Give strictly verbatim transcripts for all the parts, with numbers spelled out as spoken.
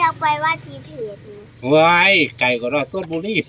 ากไปว่าทีเพจว้ายไก่ก็รอดสดบุรี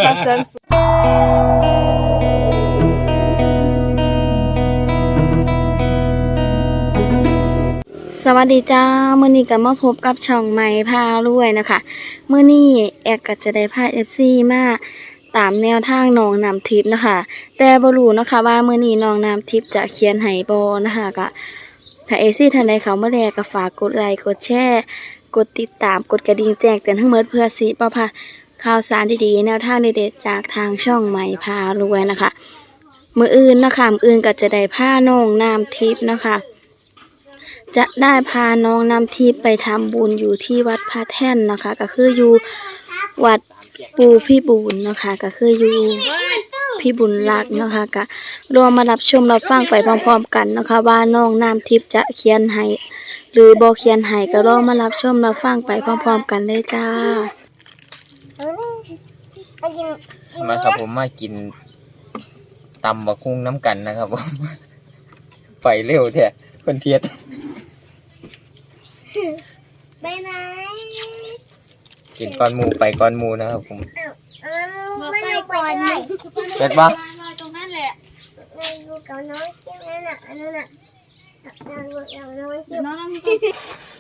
สวัสดีจ้ามื้อนี้ก็มาพบกับช่องใหม่พารวยนะคะมื้อนี้แอกก็จะได้พา เอฟ ซี มาตามแนวทางน้องน้ำทิพย์นะคะแต่บ่รู้นะคะว่ามื้อนี้น้องน้ำทิพย์จะเขียนให้บ่นะคะก็ถ้า เอฟ ซี ท่านใดเข้ามาแล้วก็ฝากกดไลค์กดแชร์กดติดตามกดกระดิ่งแจ้งเตือนทั้งหมดเพื่อสิบ่พลาดข่าวสารดีๆแนวทางเด็ดๆจากทางช่องใหม่พารวยนะคะมื้ออื่นนะคะมื้ออื่นก็จะได้พาน้องน้ำทิพย์นะคะจะได้พาน้องน้ำทิพย์ไปทำบุญอยู่ที่วัดพระแท่นนะคะก็คืออยู่วัดปูพี่บุญนะคะก็คืออยู่พี่บุญรักนะคะก็รวมมารับชมรับฟังไปพร้อมๆกันนะคะว่าน้องน้ำทิพย์จะเขียนให้หรือบ่เขียนให้ก็รอมารับชมรับฟังไปพร้อมๆกันเลยจ้ามาครับผมมากินตำบักคุ้งน้ำกันนะครับผมไปเร็วแท้คนเทียดไปไหนกินก้อนหมูไปก้อนหมูนะครับผมไม่ไปก่อนเลยเด็ดบ้าตรงนั้นแหละในดูกับน้องคิมนั่นน่ะอันนั้นน่ะน้องน้องคิมน้องน้ำทิพย์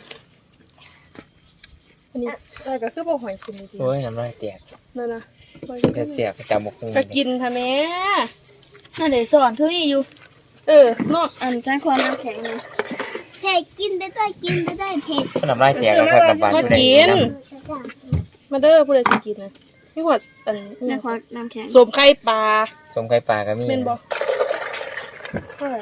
อันนี้อะไรก็คือบ่หอยกินจริงโอ้ยน้ำลายแตกนั่นนะจะเสียกตำบักคุ้งก็กินทำแม่นั่นเดี๋ยวสอนเธออยู่เออเนาะอันฉันควรน้ำแข็งนะเผ็ดกินไปด้วยกินไปด้วยเผ็ดน้ำลายแตกแล้วครับน้ำปลาอยู่ในน้ำมาเด้อผู้ใดสิกินนะนี่หอดอันนี่ควรน้ำแข็งสมไข่ปลาสมไข่ปลาก็มีเป็นบ่เท่าไหร่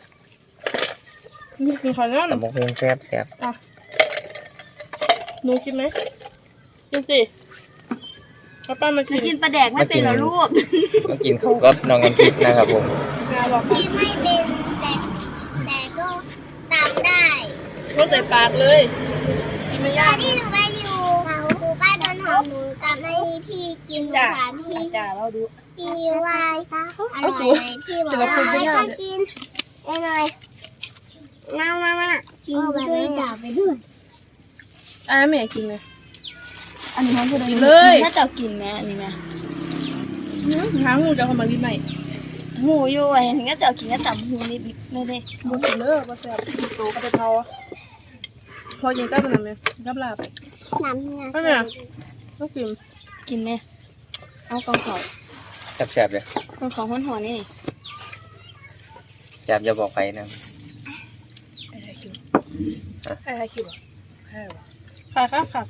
มีมีขอน้ำตำบักคุ้งแซ่บแซ่บอ่ะหนูกินไหมกินสิป้ามากินกินปลาแดกไม่เป็นหรอลูกมากินข้าวกับน้องน้ำทิพย์นะครับผมกินไม่เป็นแต่แต่ก็ตามได้ชดใส่ปากเลยกินไม่ยากที่หนูไปอยู่ครูป้าต้นหอมหนูตามให้พี่กินถามพี่จ่าเราดูพี่ว่าอร่อยไหมพี่บอกว่าให้กินอร่อยน้ำน้ำน้ำกินไปด้วยจ่าไปด้วยอ่ะแม่กินเลยอันนี้มันคือกินเลยถ้าจะกินแม่อันนี้แม่หางหูจะเอามาลิ้นใหม่หูอยู่ไอ้ถึงก็จะกินก็ต่ำหูนิดไม่ได้บุกเลยมาแซ่บโตก็จะเทาพอกินก็เป็นอะไรกับลาบน้ำเนี่ยก็เนี่ยก็กินกินไหมเอากองขอแซ่บๆเลยกองขอหัวหัวนี่แซ่บจะบอกไปนะอะไรกินอะไรกินใช่หรอค่ะครับค่ะ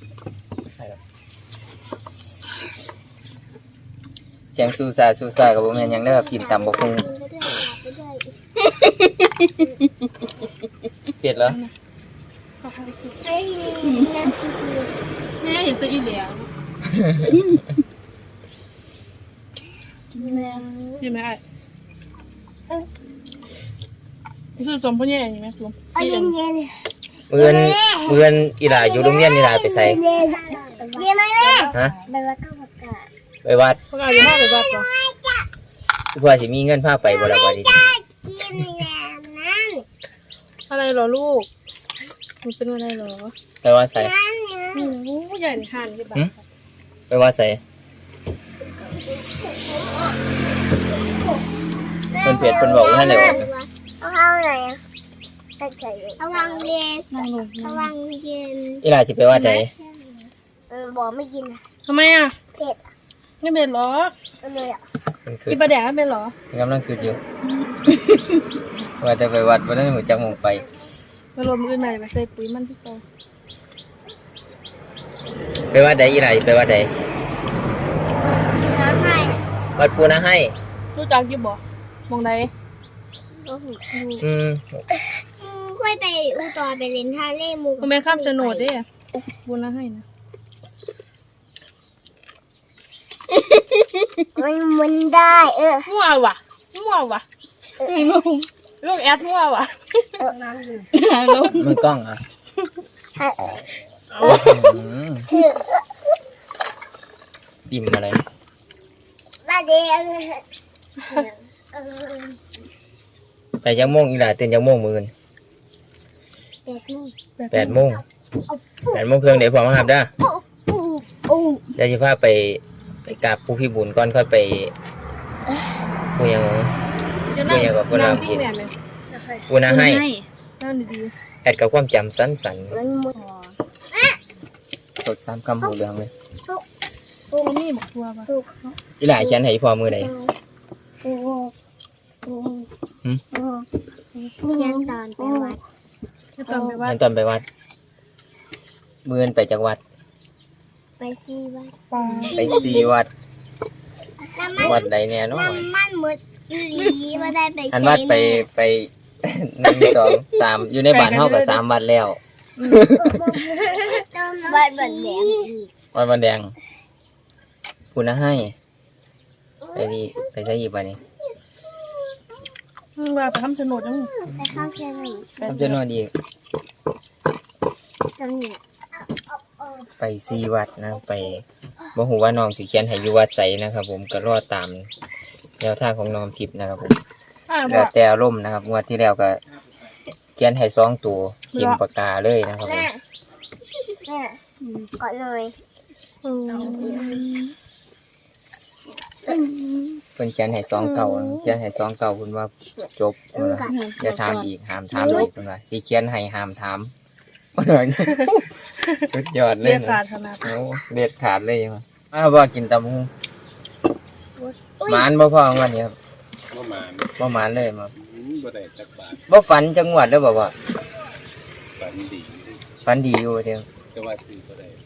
เสียงซูซาซูซากับผมเห็นยังได้แบบกินตำบักหุ่งเผ็ดเหรอแม่เห็นตัวอีเหลียวกินแม่กินไหมไอ้คือสมพ่อเนี่ยอย่างไหมสมเย็นเย็นเมื่อนเมื่อนอีหลาอยู่โรงเรียนอีหลาไปใส่เรียนไหมแม่ฮะไปวัดก็ประกาศไปวัดประกาศจะพาไปวัดป่ะเพื่อสิมีเงินพาไปบ่ละบ่ดีกินแบบนั้นอะไรหรอลูกมันเป็นอะไรหรอไปวัดใส่โอ้ใหญ่ห่านที่บ้านไปวัดใส่เพิ่นเผ็ดเพิ่นบอกว่าให้ไหนบอกเอาเข้าไหนเอาวางเย็นเอาวางเย็นอีหลาสิไปวัดไหนเออบอกไม่กินทำไมอ่ะเผ็ดไม่เป็นหรอไม่อ่ะกินปลาแดกไม่เป็นหรอกำลังคิดอยู่ว่าจะไปวัดวันนั้นหัวจักมงไปมาลมอื่นใหม่มาใส่ปุ๋ยมันที่โตไปวัดใดอีหลาไปวัดใดวัดปูนาให้รู้จักอยู่บ่มองใดอืมค่อยไปอุตรไปเล่นทะเลมูก็ไม่ข้ามโฉนดเด้ปูนาให้นะมันมันได้เออมั่วว่ะมั่วว่ะลูกแอดมั่วว่ะมันกล้องอ่ะดิ่มอะไรบ้าเดียวไปยังโมงอีหลาตื่นยังโมงมื้อแปดโมงแปดโมงแปดโมงครึ่งเดี๋ยวพอมาครับเด้อโอ้โอ้เดี๋ยวจะพาไปไปกราบผู้พี่บุญก่อนค่อยไปผู้ยังจะนั่งเดี๋ยวกับพวกเรานั่งพี่แม่เลยผู้นาให้นั่งดีแอดกับความจำสั้นสันมันหมดๆสดซ้ำคำหูเรื่องเลยๆโอ้นี่หมกทัวป่ะอีหลายเขียนให้พอมือไหนโอ้โอ้โอ้หืมโอ้เขียนตอนไปวัดจะต้องไปว่างั้นตอนไปวัดมืออนไปจากวัดไปซีวัดปลาไปซีวัดแล้วมันวัดใดแน่เนอนน้ำมันหมดอีหลีว่าได้ไปอันวัดไปไป หนึ่งสองสามอยู่ในบ้านเท่ากับสามวัดแล้ววัดบันแดงวัดบันแดงผู้นาให้ไปดีไปใช้ยีบวันนี้อืมว่าไปทำโฉนดยังไปข้าวเชียงใหม่ทำจะนอนดีกจำเนี่ยไปซีวัดนะไปบ่ฮู้ว่าน้องสิเขียนให้อยู่วัดไสนะครับ ผมก็รอตามแนวทางของน้องทิพย์นะครับผมอ่าบแล้อวกแต่อารมณ์นะครับงวดที่แล้วก็เขียนให้สองตัวทิมปากกาเลยนะครับผมแม่แม่กอดเลยอืมเพิ่นเขียนให้สองเก่าเขียนให้สองเก่าเพิ่นว่าจบเพิ่นว่าอย่าถามอีกห้ามถามอีกเพิ่นว่าสิเขียนให้ห้ามถาม สุดยอดเลเรียยกการขนาดโอ้เด็ดขาดเลยมาอ้าวบ่กินตำบักหุ่งหมานบ่พอวันนี้ครับประมาณบ่หมานเลยมาอืมบ่ได้จักบาทบ่ฝันจังหวัดเด้อบ่ว่าฝันดีฝันดีอยู่เด้อก็ว่าซื้อบ่ได้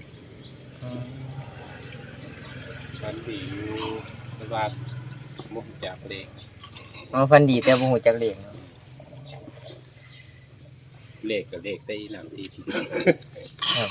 ฝันดีอยู่แต่ว่าบ่รู้จักเลขอ๋อฝันดีแต่บ่ฮู้จักเลขเนาะเลขก็เลขแต่อีหลังที่ครับ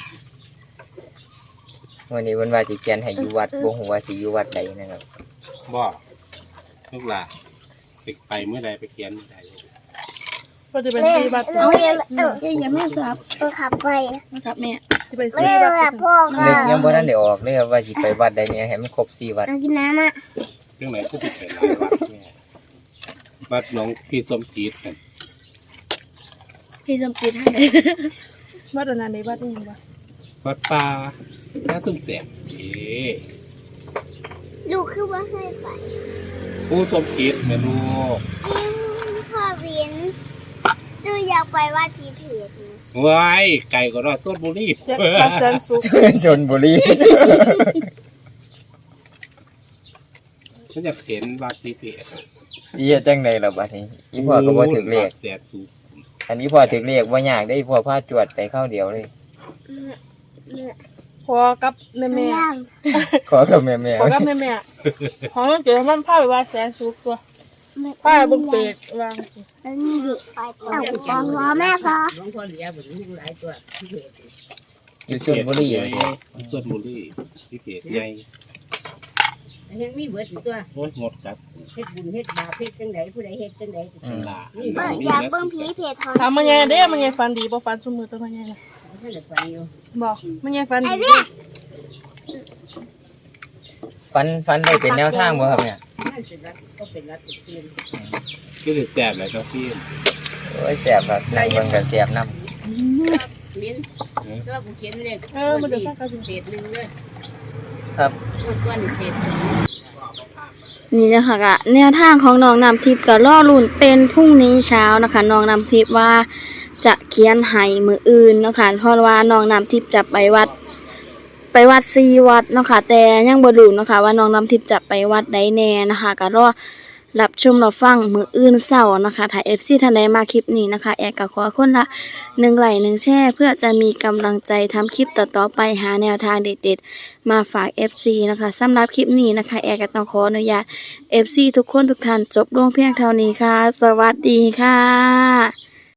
วันนี้เพิ่นว่าสิเขียนให้อยู่วัดบ่ฮู้ว่าสิอยู่วัดใดนะครับบ่ลูกหลานไปไปเมื่อใดไปเขียนเมื่อใดก็จะเป็นแม่ซีบัตรเราเรียนเออเอ้ยอย่าแม่ครับเออขับไปนะครับแม่จะเป็นไม่ซีได้บัตแบบรพ่อก็นึกยังบ่ทันได้ออกเลยครับว่าสิไปวัดใดเนี่ยให้มันครบสี่วัดเอากินน้ำอ่ะจังไหนก็สิไปหลายวัดแม่วัดหนองพี่สมจิตกันพี่สมจิตให้วัดอันนั้นในวัดนี่ยังวะวัดป่าน้าซุ่มแสบเอ้ลูกคือว่าให้ไปผู้สมจิตแม่ลูกยิ่งพ่อเวียนดูอยากไปวัดผีเผือกนะว้ายไก่ก็รอดสดบุรีเจ็ดปลาแสนสุกชนบุรีฉันอยากเห็นวัดนี้เพจสิเฮ็ดจังไดล่ะบัดนี้อีพ่อก็บ่ถึกเลขแสบสูงอันนี้พ่อถึกเลขบ่ยากได้พ่อพาจวดไปเข้าเดียวเลยพอกับแม่แม่ย่างขอกับแม่พอกับแม่แม่ของเราเกิดมันพาไปว่าแสนสุกตัวพาบุกเปกวางแล้วนี่ดิเอาพอพอแม่พอๆอยู่ชนบุรีอยู่เด้อสดบุรีที่เพจใหญ่ยังมีเบิดอยู่ตัวโอ้ยงดกัดเฮ็ดบุญเฮ็ดบาปเฮ็ดจังไดผู้ใดเฮ็ดจังไดอืมลาเบิ่งอยากเบิ่งผีเพจทองถามมันยังเด้มันยังฟันดีบ่ฟันสมือตัวมันยังท่านได้ไปอยู่บอกมันยังฟันไอ้ดีเบี้ยฟันฟันได้เป็นแนวทางบ่ครับเนี่ยนั่นสิรักก็เป็นรักสุดที่ก็จะแสบเลยครับพี่โอ้ยแซ่บครับนั่งเบิ่งก็แซ่บนำมิ้นก็ผู้เขียนเลขเออมันเดือดข้างกันเศษหนึงเลยครับก้อนเศษนี่นะคะกะแนวทางของน้องน้ำทิพย์ก็ล่อลุ่นเป็นพรุ่งนี้เช้านะคะน้องน้ำทิพย์ว่าจะเขียนให้มืออื่นเนาะคะเพราะว่าน้องน้ำทิพย์จะไปวัด ไปวัดซีวัดเนาะค่ะแต่ยังบ่รู้เนาะค่ะว่าน้องน้ำทิพย์จะไปวัดใดแน่นะคะก็รอรับชมรับฟังมืออื่นเช้านะคะถ้า เอฟ ซี ท่านใดมาคลิปนี้นะคะแอร์ก็ขอคนละหนึ่งไลค์หนึ่งแชร์เพื่อจะมีกำลังใจทำคลิปต่อๆไปหาแนวทางเด็ดๆมาฝาก เอฟ ซี นะคะสำหรับคลิปนี้นะคะแอร์ก็ต้องขออนุญาต เอฟ ซี ทุกคนทุกท่านจบลงเพียงเท่านี้ค่ะ สวัสดีค่ะ